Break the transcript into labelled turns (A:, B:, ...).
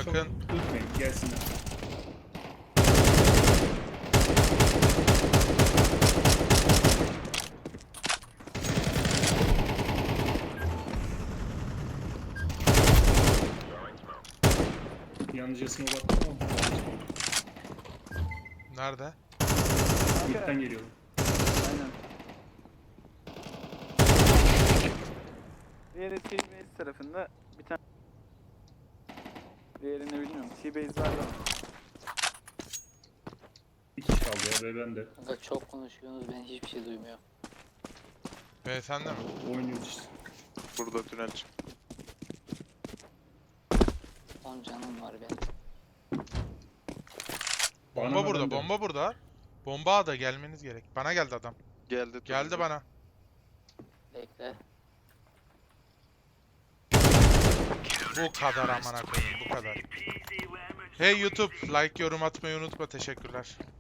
A: Yakın.
B: Tutmayın gelsinler. Yanıcısına baktım ama
A: Nerede?
B: midden geliyor.
C: Aynen. Diğeri T-Base tarafında bir tane. Diğerini bilmiyorum. T-Base var da.
B: Bir kişi kaldı ya ve ben de.
D: Kanka çok konuşuyorsunuz, ben hiçbir şey duymuyorum.
A: B sende mi?
B: Oynuyoruz işte.
E: Burada tünel çık.
D: 10 canım var benim.
A: Bomba
B: Bana
A: burada,
B: bende.
A: bomba burada. Bomba da gelmeniz gerek. Bana geldi adam.
E: Geldi.
A: Geldi bana.
D: Bekle.
A: Bu kadar amına koyayım, bu kadar. Hey YouTube, like yorum atmayı unutma. Teşekkürler.